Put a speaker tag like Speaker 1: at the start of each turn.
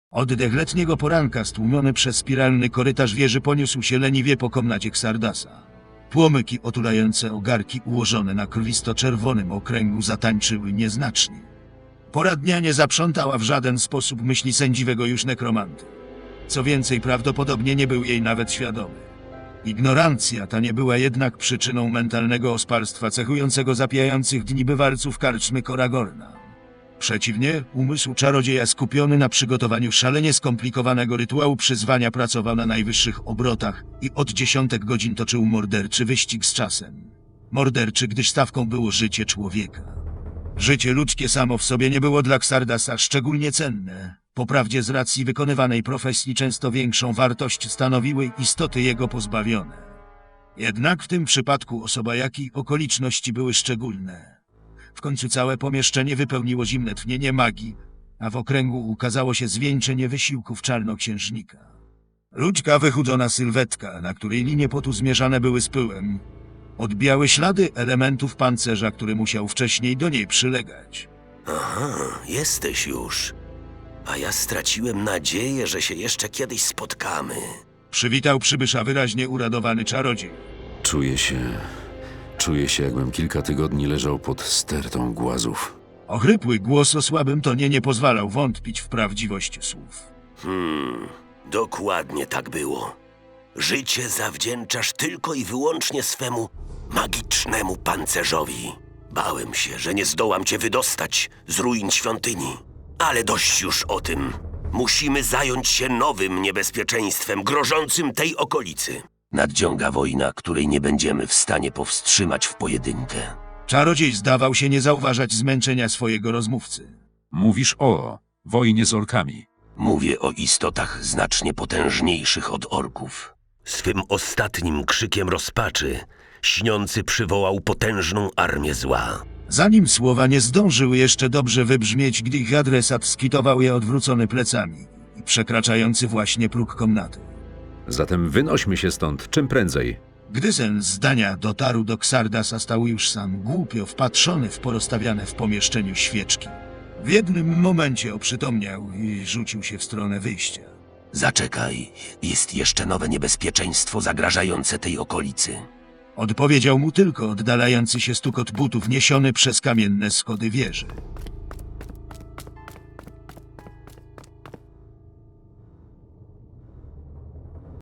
Speaker 1: Oddech letniego poranka stłumiony przez spiralny korytarz wieży poniósł się leniwie po komnacie Xardasa. Płomyki otulające ogarki ułożone na krwisto-czerwonym okręgu zatańczyły nieznacznie. Pora dnia nie zaprzątała w żaden sposób myśli sędziwego już nekromanty. Co więcej, prawdopodobnie nie był jej nawet świadomy. Ignorancja ta nie była jednak przyczyną mentalnego osparstwa cechującego zapijających dni bywalców karczmy Koragorna. Przeciwnie, umysł czarodzieja skupiony na przygotowaniu szalenie skomplikowanego rytuału przyzwania pracował na najwyższych obrotach i od dziesiątek godzin toczył morderczy wyścig z czasem. Morderczy, gdyż stawką było życie człowieka. Życie ludzkie samo w sobie nie było dla Xardasa szczególnie cenne. Poprawdzie z racji wykonywanej profesji często większą wartość stanowiły istoty jego pozbawione. Jednak w tym przypadku osoba jak i okoliczności były szczególne. W końcu całe pomieszczenie wypełniło zimne tchnienie magii, a w okręgu ukazało się zwieńczenie wysiłków czarnoksiężnika. Ludzka wychudzona sylwetka, na której linie potu zmierzane były z pyłem, odbijały ślady elementów pancerza, który musiał wcześniej do niej przylegać.
Speaker 2: Aha, jesteś już. A ja straciłem nadzieję, że się jeszcze kiedyś spotkamy.
Speaker 1: Przywitał przybysza wyraźnie uradowany czarodziej.
Speaker 3: Czuję się, jakbym kilka tygodni leżał pod stertą głazów.
Speaker 1: Ochrypły głos o słabym tonie nie pozwalał wątpić w prawdziwość słów.
Speaker 2: Dokładnie tak było. Życie zawdzięczasz tylko i wyłącznie swemu magicznemu pancerzowi. Bałem się, że nie zdołam cię wydostać z ruin świątyni. Ale dość już o tym. Musimy zająć się nowym niebezpieczeństwem grożącym tej okolicy. Nadciąga wojna, której nie będziemy w stanie powstrzymać w pojedynkę.
Speaker 1: Czarodziej zdawał się nie zauważać zmęczenia swojego rozmówcy.
Speaker 3: Mówisz o wojnie z orkami.
Speaker 2: Mówię o istotach znacznie potężniejszych od orków. Swym ostatnim krzykiem rozpaczy śniący przywołał potężną armię zła.
Speaker 1: Zanim słowa nie zdążyły jeszcze dobrze wybrzmieć, gdy ich adresat skitował je odwrócony plecami i przekraczający właśnie próg komnaty.
Speaker 3: Zatem wynośmy się stąd czym prędzej.
Speaker 1: Gdy sen zdania dotarł do Xardasa, stał już sam głupio wpatrzony w porozstawiane w pomieszczeniu świeczki. W jednym momencie oprzytomniał i rzucił się w stronę wyjścia.
Speaker 2: Zaczekaj, jest jeszcze nowe niebezpieczeństwo zagrażające tej okolicy.
Speaker 1: Odpowiedział mu tylko oddalający się stukot butów niesiony przez kamienne schody wieży.